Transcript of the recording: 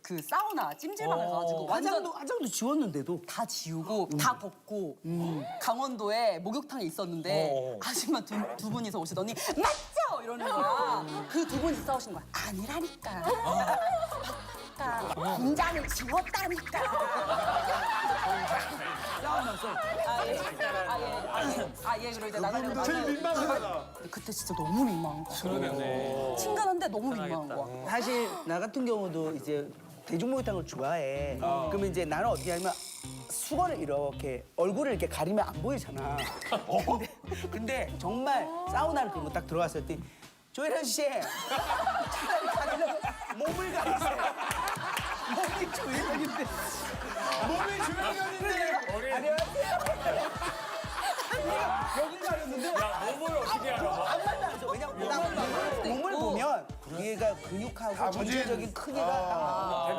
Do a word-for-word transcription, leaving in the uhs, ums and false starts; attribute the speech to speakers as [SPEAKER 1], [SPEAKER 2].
[SPEAKER 1] 그 사우나 찜질방을 가가지고 완전
[SPEAKER 2] 화장도 화장도 지웠는데도
[SPEAKER 1] 다 지우고 다 벗고 강원도에 목욕탕에 있었는데
[SPEAKER 3] 어.
[SPEAKER 1] 아줌마 두, 두 분이서 오시더니 맞죠? 이러는 거야. 그 두 분이 싸우신 거야. 아니라니까. 맞다니까. 분장을 지웠다니까.
[SPEAKER 2] 싸우면서
[SPEAKER 1] 아예 아예 아예 아예 그럴 때 나는
[SPEAKER 4] 제일 민망하다.
[SPEAKER 1] 그때 진짜 너무 민망한 거야.
[SPEAKER 3] 그러겠네.
[SPEAKER 1] 친근한데 너무 민망한 거야.
[SPEAKER 2] 사실 나 같은 경우도 이제 대중목욕탕을 좋아해. 그러면 이제 나는 어떻게 하냐면 수건을 이렇게 얼굴을 이렇게 가리면 안 보이잖아. 근데, 근데 정말 사우나를 그런 거 딱 들어갔을 때 조혜련 씨 차라리 가리려고 몸을 가리세요. 몸이 조혜련인데.
[SPEAKER 4] 몸이 주변이었는데.
[SPEAKER 2] 안녕하세요. 여기 가렸는데
[SPEAKER 3] 야, 몸을 어떻게 알아?
[SPEAKER 2] 안 맞아. 왜냐면 몸을, 몸을 보면 얘가 근육하고 전체적인 크기가 딱